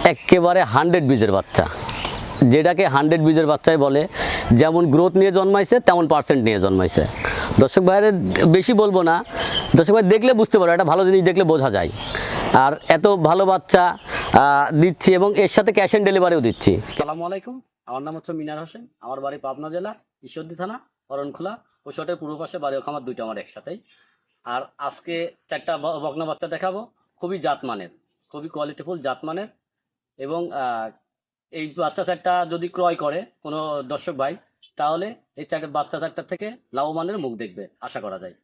একেবারে 100 বীজের বাচ্চা, যেটাকে 100 বীজের বাচ্চাই বলে। যেমন গ্রোথ নিয়ে জন্মাইছে তেমন পার্সেন্ট নিয়ে জন্মাইছে। দর্শক ভাইয়ের বেশি বলবো না, দর্শক ভাই দেখলে বুঝতে পারো, একটা ভালো জিনিস দেখলে বোঝা যায়। আর এত ভালো বাচ্চা দিচ্ছি এবং এর সাথে ক্যাশ অন ডেলিভারিও দিচ্ছি। আসসালামু আলাইকুম, আমার নাম হচ্ছে মিনার হোসেন, আমার বাড়ি পাবনা জেলা ঈশ্বরদী থানা অরণখোলা, পশুহাটের পূর্ব পাশে বাড়ি খামার, দুইটা আমার একসাথেই। আর আজকে 4টা বকনা বাচ্চা দেখাবো, খুবই জাতমানের, খুবই কোয়ালিটিফুল জাতমানের। এবং এই বাচ্চা 4টা যদি ক্রয় করে কোনো দর্শক ভাই, তাহলে এই বাচ্চা 4টা থেকে লাভবানের মুখ দেখবে আশা করা যায়।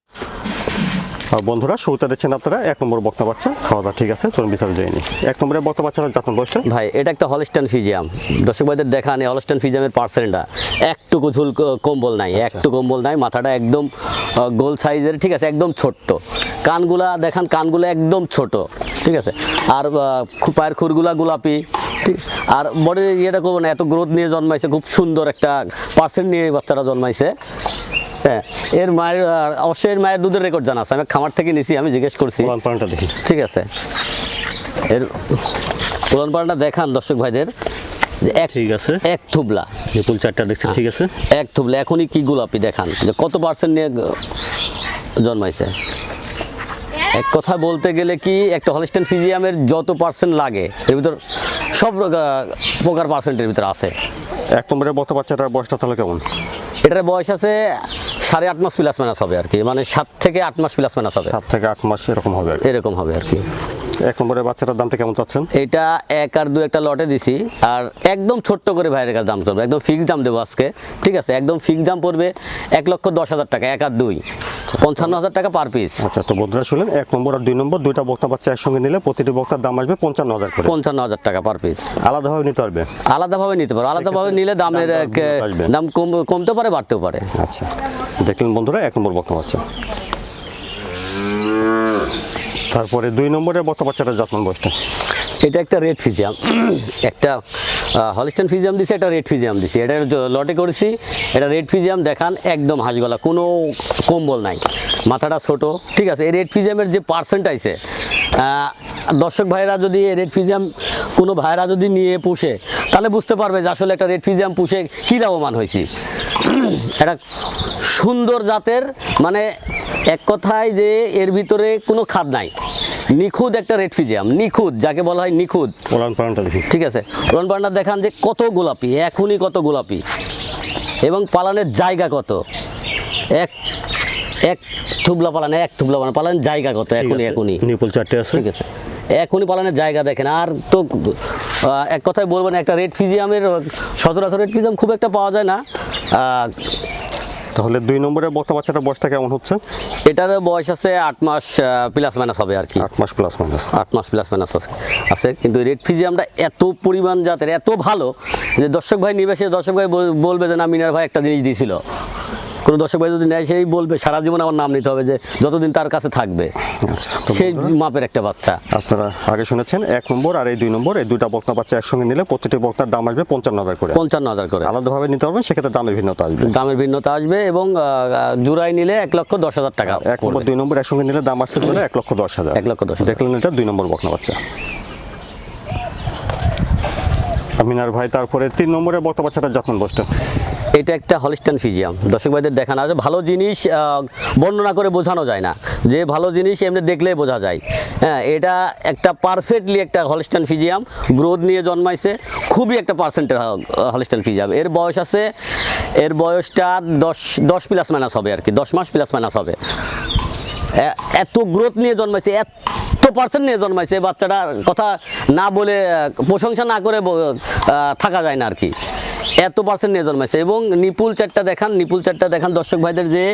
বন্ধুরা, শুরুতে দেখছেন আপনারা 1 নম্বর বকনা বাচ্চা। খাওয়া দাওয়া ঠিক আছে, চলুন বিচার যায়নি। 1 নম্বরের বকনা বাচ্চাটা জাতমান বয়সটা ভাই, এটা একটা হলস্টাইন ফিজিয়াম। দর্শক ভাইদের দেখা নেই, হলস্টাইন ফিজিয়ামের পার্সেন্টটা একটুকু ঝুল কম্বল নাই, একটু কম্বল নাই, মাথাটা একদম গোল সাইজের, ঠিক আছে, একদম ছোট্ট। কানগুলা দেখান, কানগুলো একদম ছোট, ঠিক আছে। আর পায়ের খুরগুলা গোলাপি, ঠিক। আর বডির ইয়েটা করবো না, এত গ্রোথ নিয়ে জন্মাইছে, খুব সুন্দর একটা পার্সেন্ট নিয়ে বাচ্চারা জন্মাইছে। হ্যাঁ, এর মায়ের অবশ্যই এর মায়ের দুধের রেকর্ড জানা আছে, আমি খামার থেকে নিছি, আমি জিজ্ঞেস করছি। দেখি, ঠিক আছে, এর পুরান পালনটা দেখান দর্শক ভাইদের। ঠিক আছে, এক থুবলা নিপুল 4টা দেখছেন, ঠিক আছে, এক থুবলা। এখনই কি গোলাপি দেখান যে কত পার্সেন্ট নিয়ে জন্মাইছে। এক কথা বলতে গেলে কি, একটা হলস্টাইন ফিজিয়ামের যত পার্সেন্ট লাগে এর ভিতর সব প্রকার পার্সেন্টের ভিতরে আছে। 1 নম্বরের বকনা বাচ্চাটার বয়সটা তাহলে কেমন? এটার বয়স আছে 8.5 মাস প্লাস মাইনাস হবে আর কি, মানে 7 থেকে 8 মাস প্লাস মাইনাস হবে, 7 থেকে 8 মাস এরকম হবে আর কি। এরকম হবে আর কি। 1 নম্বরের বাচ্চাটার দামটা কেমন চাচ্ছেন? এটা 1 আর 2 একটা লটে দিছি, আর একদম ছোট্ট করে ভাইয়ের কাছে দাম চলবে, একদম ফিক্সড দাম দেবো আজকে, ঠিক আছে। একদম ফিক্সড দাম পড়বে 1,10,000 টাকা, 1 আর 2 55,000 টাকা পার পিস। আচ্ছা, তো বন্ধুরা শুনলেন, 1 নম্বর আর 2 নম্বর দুইটা বকনা বাচ্চা একসঙ্গে নিলে প্রতিটি বকনার দাম আসবে 55,000 করে। 55,000 টাকা পার পিস। আলাদাভাবে নিতে পারবে? আলাদাভাবে নিতে পারো, আলাদাভাবে নিলে দামের দাম কমতে পারে, বাড়তেও পারে। আচ্ছা, দেখলেন বন্ধুরা 1 নম্বর বকনা বাচ্চা। তারপরে 2 নম্বরের বকনা বাচ্চাটা জাতমান বয়সটা? এটা একটা রেড ফিজিয়াম, একটা হলস্টাইন ফিজিয়াম দিছি, একটা রেড ফিজিয়াম দিছি। এটা লটে করেছি, এটা রেড ফিজিয়াম দেখান, একদম হাঁসগলা, কোনো কম্বল নাই, মাথাটা ছোট, ঠিক আছে। এই রেড ফিজিয়ামের যে পার্সেন্ট আছে, দর্শক ভাইরা যদি রেড ফিজিয়াম কোনো ভাইরা যদি নিয়ে পুষে, তাহলে বুঝতে পারবে যে আসলে একটা রেড ফিজিয়াম পুষে কী লাভবান হয়েছি। একটা সুন্দর জাতের, মানে এক কথায় যে এর ভিতরে কোনো খাদ নাই, নিখুঁত একটা রেড ফিজিয়াম, নিখুঁত যাকে বলা হয় নিখুঁত। ওলান পালনটা দেখি, ঠিক আছে, ওলান পালনটা দেখান যে কত গোলাপি, এখনই কত গোলাপি, এবং পালানের জায়গা কত, এক থুবলা পালান, এক থুবলা পালানের জায়গা কত, এখনই নিপুল 4টে আছে, ঠিক আছে, এখনই পালানের জায়গা দেখেন। আর তো এক কথায় বলবেন, একটা রেড ফিজিয়ামের সচরাচর রেড ফিজিয়াম খুব একটা পাওয়া যায় না। তাহলে 2 নম্বরের বকনা বাচ্চাটার বয়সটা কেমন হচ্ছে? এটার বয়স আছে 8 মাস প্লাস মাইনাস হবে আর কি, 8 মাস প্লাস মাইনাস, 8 মাস প্লাস মাইনাস আছে। কিন্তু রেড ফিজিয়ামটা এত পরিমাণ জাতের, এত ভালো যে দর্শক ভাই নিবে, সে দর্শক ভাই বলবে যে না, মিনার ভাই একটা জিনিস দিয়েছিল। কোনো দর্শক ভাই যদি নেয়, সেই বলবে সারা জীবন আমার নাম নিতে হবে, যে যতদিন তার কাছে থাকবে। আচ্ছা, সেই মাপের একটা বাচ্চা। আপনারা আগে শুনেছেন 1 নম্বর আর এই 2 নম্বর, এই দুইটা বকনা বাচ্চা একসঙ্গে নিলে প্রতিটি বকনার দাম আসবে 55,000 করে। 55,000 করে আলাদাভাবে নিতে পারবেন, সেক্ষেত্রে দামের ভিন্নতা আসবে, দামের ভিন্নতা আসবে। এবং জোড়ায় নিলে 1,10,000 টাকা। 1 নম্বর 2 নম্বর একসঙ্গে নিলে দাম আসছে চলে 1,10,000। 1,10,000 দেখলেন, এটা 2 নম্বর বকনা বাচ্চা। মিনার ভাই, তারপরে 3 নম্বরের বকনা বাচ্চাটা জাতমান বয়সটা? এটা একটা হলস্টাইন ফিজিয়াম। দর্শক ভাইদের দেখানো আছে, ভালো জিনিস বর্ণনা করে বোঝানো যায় না, যে ভালো জিনিস এমনি দেখলেই বোঝা যায়। হ্যাঁ, এটা একটা পারফেক্টলি একটা হলস্টাইন ফিজিয়াম, গ্রোথ নিয়ে জন্মাইছে, খুবই একটা পার্সেন্টের হলস্টাইন ফিজিয়াম। এর বয়স আছে, এর বয়সটা 10 প্লাস মাইনাস হবে আর কি, 10 মাস প্লাস মাইনাস হবে। এত গ্রোথ নিয়ে জন্মাইছে, এত পার্সেন্ট নিয়ে জন্মাইছে, বাচ্চাটার কথা না বলে, প্রশংসা না করে থাকা যায় না আর কি, এত পার্সেন্ট নিয়ে জন্মাইছে। এবং নিপুল 4টা দেখান, নিপুল 4টা দেখান দর্শক ভাইদের, যে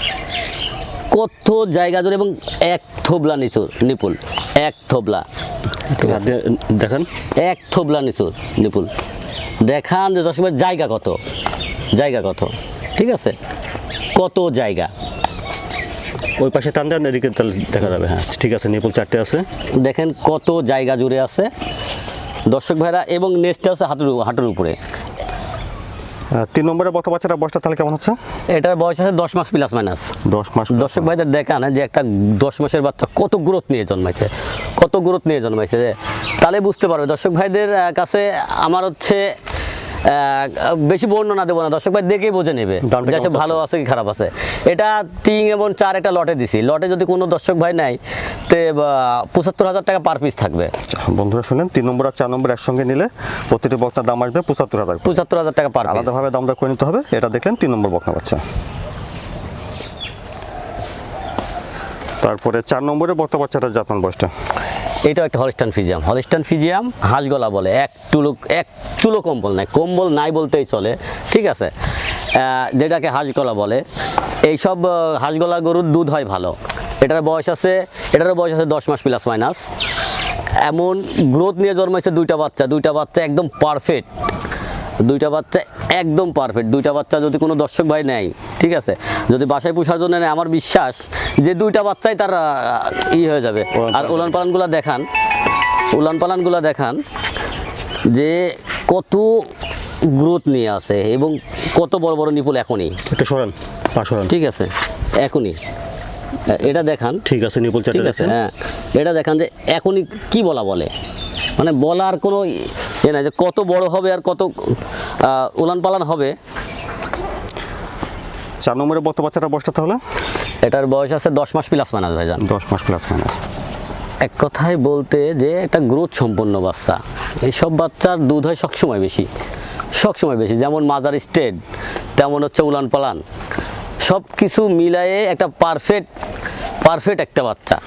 কত জায়গা জুড়ে, এবং 1 থোবলা নিচুর নিপুল, 1 থোবলা, দেখেন 1 থোবলা নিচুর নিপুল দেখান, যে দর্শক ভাই জায়গা কত, জায়গা কত, ঠিক আছে, কত জায়গা। ওই পাশে টান দেন, এদিকে তাহলে দেখা যাবে। হ্যাঁ, ঠিক আছে, নিপুল 4টে আছে, দেখেন কত জায়গা জুড়ে আছে দর্শক ভাইরা। এবং নেক্সটটা হচ্ছে হাঁটুর উপরে। 3 নম্বরের বকনা বাচ্চাটা বয়সটা তাহলে কেমন হচ্ছে? এটার বয়স আছে 10 মাস প্লাস মাইনাস। 10 মাস। দর্শক ভাইদের দেখান যে একটা 10 মাসের বাচ্চা কত গ্রোথ নিয়ে জন্মাইছে, কত গ্রোথ নিয়ে জন্মাইছে। তাহলে বুঝতে পারবে। দর্শক ভাইদের কাছে আমার হচ্ছে বেশি বর্ণনা দেবো না, দর্শক ভাই দেখেই বোঝে নেবে দামটা যে কেমন ভালো আছে কি খারাপ আছে। এটা 3 এবং 4 একটা লটে দিছি, লটে যদি কোনো দর্শক ভাই নেয় তে 75,000 টাকা পার পিস থাকবে। বন্ধুরা শুনেন, 3 নম্বর আর 4 নম্বর একসঙ্গে নিলে প্রতিটি বকনার দাম আসবে 75,000 করে। 75,000 টাকা পার পিস। আলাদাভাবে দাম দর করে নিতে হবে। এটা দেখলেন 3 নম্বর বকনা বাচ্চা। তারপরে 4 নম্বরে বকনা বাচ্চাটার জাতমান বয়সটা, এটাও একটা হলিস্টান ফিজিয়াম। হলিস্টান ফিজিয়াম হাঁসগলা বলে, এক চুলো কম্বল নাই বলতেই চলে, ঠিক আছে, যেটাকে হাঁসগলা বলে। এইসব হাঁসগলার গরুর দুধ হয় ভালো। এটারও বয়স আছে 10 মাস প্লাস মাইনাস। এমন গ্রোথ নিয়ে জন্মাইছে দুইটা বাচ্চা একদম পারফেক্ট, দুইটা বাচ্চা যদি কোনো দর্শক ভাই নেয়, ঠিক আছে, যদি বাসায় পোষার জন্য নেয়, আমার বিশ্বাস যে দুইটা বাচ্চাই তার হয়ে যাবে। আর উলান পালানগুলা দেখান যে কত গ্রোথ নিয়ে আছে এবং কত বড় বড় নিপুল এখনই। একটু সরান, সরান, ঠিক আছে, এখনই এটা দেখান। ঠিক আছে, নিপুল চারটে ঠিক আছে, দেখছেন। হ্যাঁ, এটা দেখান যে এখনই কি বলে, মানে বলার কোনো ইয়ে নাই যে কত বড় হবে আর কত উলান পালান হবে। 4 নম্বরে বকনা বাচ্চাটার বয়সটা তাহলে, এটার বয়স আছে 10 মাস প্লাস মাইনাস ভাইজান। 10 মাস প্লাস মাইনাস। এক কথায় বলতে যে একটা গ্রোথ সম্পন্ন বাচ্চা। এইসব বাচ্চার দুধ হয় সবসময় বেশি, যেমন মাজার স্টেট, তেমন হচ্ছে উলান পালান, সব কিছু মিলায়ে একটা পারফেক্ট একটা বাচ্চা।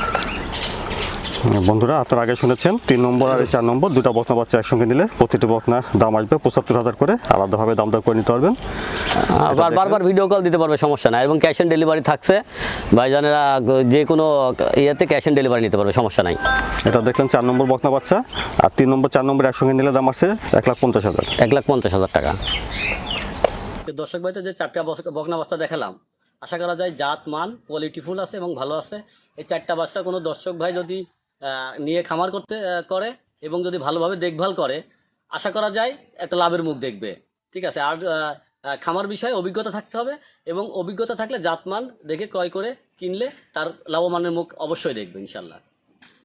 বন্ধুরা আপনারা আগে শুনেছেন 3 নম্বর আর 4 নম্বর দুটো বকনা বাচ্চা একসঙ্গে নিলে প্রতিটি বকনা দাম আসবে 75,000 করে। আলাদাভাবে দাম দর করে নিতে পারবেন। বারবার ভিডিও কল দিতে পারবে, সমস্যা নাই, এবং ক্যাশ অন ডেলিভারি থাকছে। ভাইজানেরা যে কোনো ইয়েতে ক্যাশ অন ডেলিভারি নিতে পারবে, সমস্যা নাই। এটা দেখলেন 4 নম্বর বকনা বাচ্চা। আর 3 নম্বর 4 নম্বর একসঙ্গে নিলে দাম আসছে 1,50,000। 1,50,000 টাকা। দর্শক ভাইতে যে 4টা বকনা বাচ্চা দেখালাম, আশা করা যায় জাত মান কোয়ালিটিফুল আছে এবং ভালো আছে। এই 4টা বাচ্চা কোনো দর্শক ভাই যদি নিয়ে খামার করে এবং যদি ভালোভাবে দেখভাল করে, আশা করা যায় একটা লাভের মুখ দেখবে, ঠিক আছে। আর খামার বিষয়ে অভিজ্ঞতা থাকতে হবে, এবং অভিজ্ঞতা থাকলে জাতমান দেখে ক্রয় করে কিনলে তার লাভবানের মুখ অবশ্যই দেখবে ইনশাল্লাহ।